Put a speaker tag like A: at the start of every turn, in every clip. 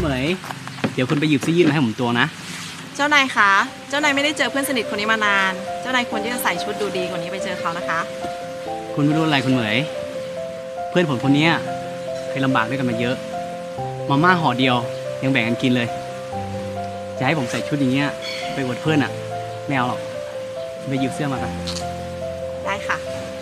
A: เหมยเดี๋ยวคุณไปหยิบเสื้อยืดมาให้ผมตัวนะ
B: เจ้านายคะเจ้านายไม่ได้เจอเพื่อนสนิทคนนี้มานานเจ้านายควรที่จะใส่ชุดดูดีกว่านี้ไปเจอเขานะคะ
A: คุณไม่รู้อะไรคุณเหมยเพื่อนผมคนนี้เคยลำบากด้วยกันมาเยอะมาม่าห่อเดียวยังแบ่งกันกินเลยจะให้ผมใส่ชุดอย่างเงี้ยไปอวดเพื่อนอ่ะไม่เอาหรอกไปหยิบเสื้อมากัน
B: ได้ค่ะ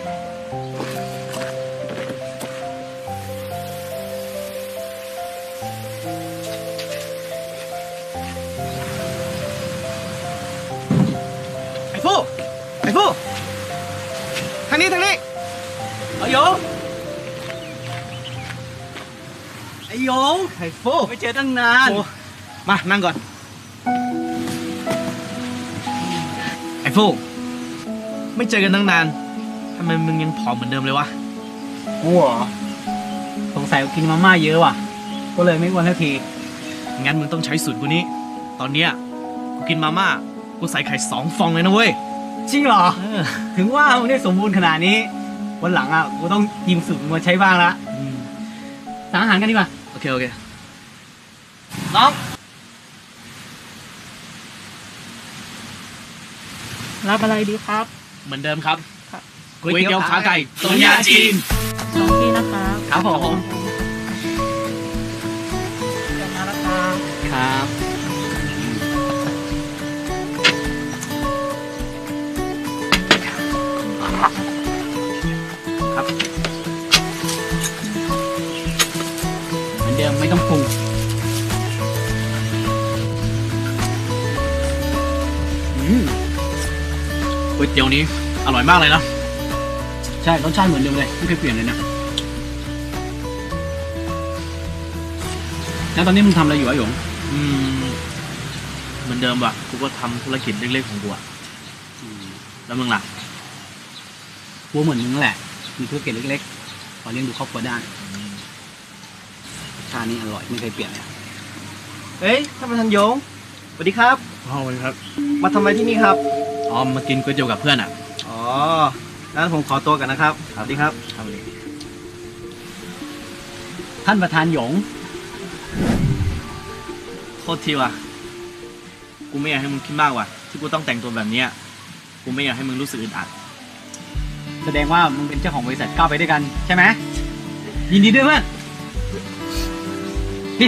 C: ไอ้ฟูทางนี้
A: เอาโยงไอ้โยง
C: ไอ้ฟู
A: ไม่เจอตั้งนาน
C: มานั่งก่อนไอ้ฟูไม่เจอกันตั้งนานทำไมมึงยังผอมเหมือนเดิมเลยวะ
A: กูเหรอสงสัยกินมาม่าเยอะว่ะก็เลยไม่อ้วนสักที
C: งั้นมึงต้องใช้สูตรกูนี้ตอนเนี้ยกูกินมาม่ากูใส่ไข่2 ฟองเลยนะเว้ย
A: จริงเหรอถึงว่ามึงได้สมบูรณ์ขนาดนี้วันหลังอ่ะกูต้องยืมสูตรมาใช้บ้างละสั่งอาหารกันดีกว่า
C: โอเคน้อง
B: รับอะไรดีครับ
C: เหมือนเดิมครับก๋วยเตี๋ยวขาไก่ต้มยำจีน
B: 2 ที่นะครับ
A: ครับผม
B: เดี๋ยวมาแล้วครับ
A: ครับเหมือนเดิมไม่ต้องปรุง
C: ก๋วยเตี๋ยวนี้อร่อยมากเลยนะ
A: ใช่รสชาติเหมือนเดิมเลยไม่เคยเปลี่ยนเลยนะแล้วตอนนี้มึงทำอะไรอยู่อะหยง
C: เหมือนเดิมว่ะกูก็ทำธุรกิจเล็กๆของกูอะแล้วมึงล่ะ
A: กูเหมือนมึงแหละมีธุรกิจเล็กๆพอเลี้ยงดูครอบครัวได้ชาตินี้อร่อยไม่เคยเปลี่ยนเลย
D: เฮ้ยท่านประธานยงสวัสดีครับ
C: สวัสดีครับ
D: มาทำอะไรที่นี่ครับ
C: อ๋อมากินก๋วยเตี๋ยวกับเพื่อนอ่ะ
D: อ๋องั้นผมขอตัวกันนะครับสวัสดีครับ
A: ท่านประธานหยง
C: โทษทีว่ะกูไม่อยากให้มึงคิดมากว่ะที่กูต้องแต่งตัวแบบนี้กูไม่อยากให้มึงรู้สึกอึดอัด
A: แสดงว่ามึงเป็นเจ้าของบริษัทก้าวไปด้วยกันใช่ไหมยินดีด้วยเพื่อนนี่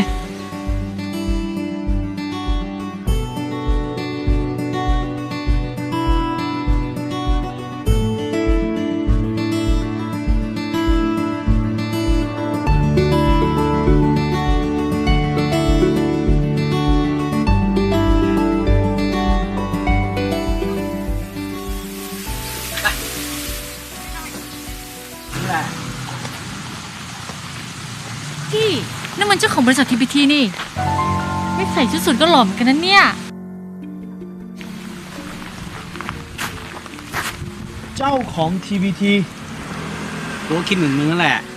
E: พี่นั่นมันเจ้าของบริษัท TPT นี่ไม่ใส่ชุดสูทก็หล่อเหมือนกันนะเนี่ย
C: เจ้าของ TPT
A: กูก็คิดเหมือนมึงนั่นแหละ